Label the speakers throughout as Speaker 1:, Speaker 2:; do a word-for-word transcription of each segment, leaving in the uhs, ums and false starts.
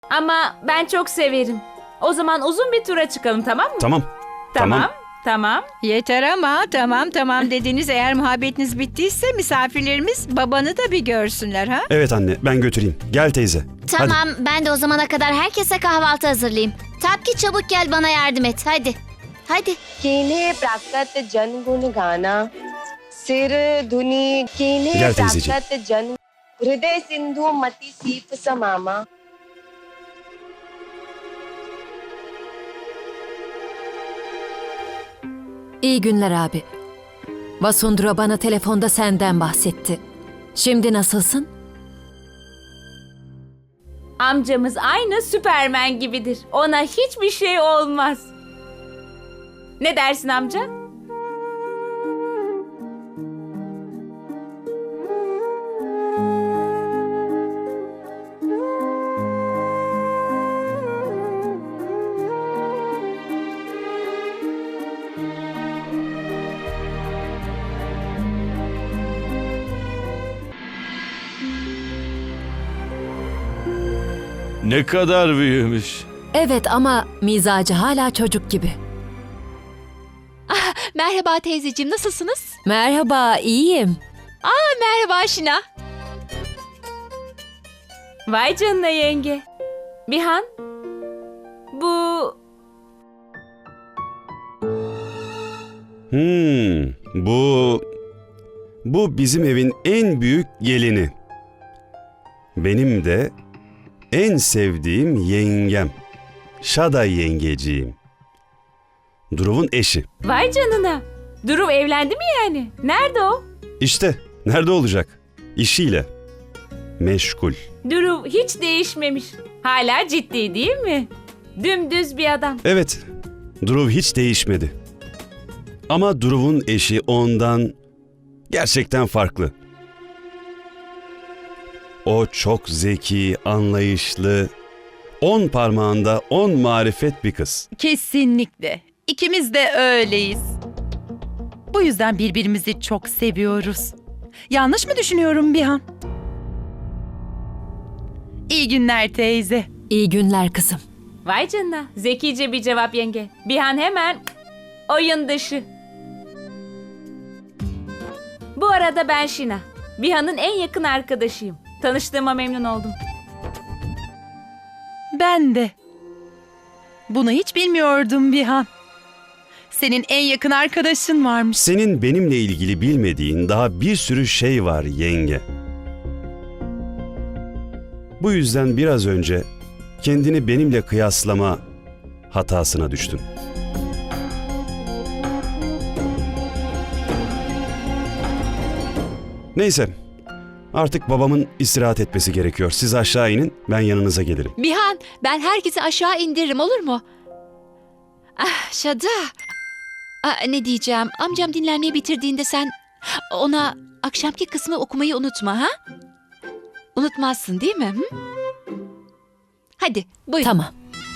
Speaker 1: Ama ben çok severim. O zaman uzun bir tura çıkalım, tamam mı?
Speaker 2: Tamam.
Speaker 1: Tamam. Tamam.
Speaker 3: Yeter ama tamam tamam dediniz, eğer muhabbetiniz bittiyse misafirlerimiz babanı da bir görsünler ha?
Speaker 2: Evet anne, ben götüreyim. Gel teyze.
Speaker 4: Tamam, ben de o zamana kadar herkese kahvaltı hazırlayayım. Tapki çabuk gel bana yardım et. Hadi. Hadi.
Speaker 5: कीन्हे प्राकृत जन गुण गाना सिर धुनी कीन्हे
Speaker 2: Gel teyzeciğim.
Speaker 5: प्राकृत जन हृदय सिंधु मति सीप समामा
Speaker 6: İyi günler abi. Vasundra bana telefonda senden bahsetti. Şimdi nasılsın?
Speaker 1: Amcamız aynı Süpermen gibidir. Ona hiçbir şey olmaz. Ne dersin amca?
Speaker 7: Ne kadar büyümüş.
Speaker 6: Evet ama mizacı hala çocuk gibi.
Speaker 8: Merhaba teyzeciğim, nasılsınız?
Speaker 6: Merhaba, iyiyim.
Speaker 8: Merhaba Şina.
Speaker 1: Vay canına yenge. Bihan, bu
Speaker 2: Hmm, bu... Bu bizim evin en büyük gelini. Benim de en sevdiğim yengem. Şada yengeciğim. Druv'un eşi.
Speaker 1: vay canına. Durum evlendi mi yani? Nerede o?
Speaker 2: İşte, nerede olacak? İşiyle. Meşgul.
Speaker 1: Durum hiç değişmemiş. Hala ciddi değil mi? Dümdüz bir adam.
Speaker 2: Evet, Druv hiç değişmedi. Ama Druv'un eşi ondan gerçekten farklı. O çok zeki, anlayışlı, on parmağında on marifet bir kız.
Speaker 9: Kesinlikle. İkimiz de öyleyiz. Bu yüzden birbirimizi çok seviyoruz. Yanlış mı düşünüyorum Bihan? İyi günler teyze.
Speaker 6: İyi günler kızım.
Speaker 1: Vay canına. Zekice bir cevap yenge. Bihan hemen oyun dışı. Bu arada ben Şina. Bihan'ın en yakın arkadaşıyım. Tanıştığıma memnun oldum.
Speaker 9: Ben de. Bunu hiç bilmiyordum Bihan. Senin en yakın arkadaşın varmış.
Speaker 2: Senin benimle ilgili bilmediğin daha bir sürü şey var yenge. Bu yüzden biraz önce kendini benimle kıyaslama hatasına düştün. Neyse, artık babamın istirahat etmesi gerekiyor. Siz aşağı inin, ben yanınıza gelirim.
Speaker 8: Bihan, ben herkesi aşağı indiririm, olur mu? Ah Şada. Ah, ne diyeceğim? Amcam dinlenmeyi bitirdiğinde sen ona akşamki kısmı okumayı unutma ha? Unutmazsın değil mi? Hı? Hadi buyur.
Speaker 6: Tamam.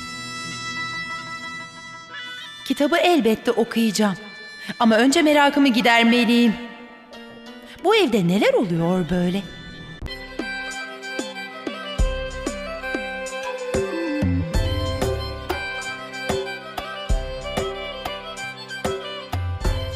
Speaker 9: Kitabı elbette okuyacağım. Ama önce merakımı gidermeliyim. Bu evde neler oluyor böyle?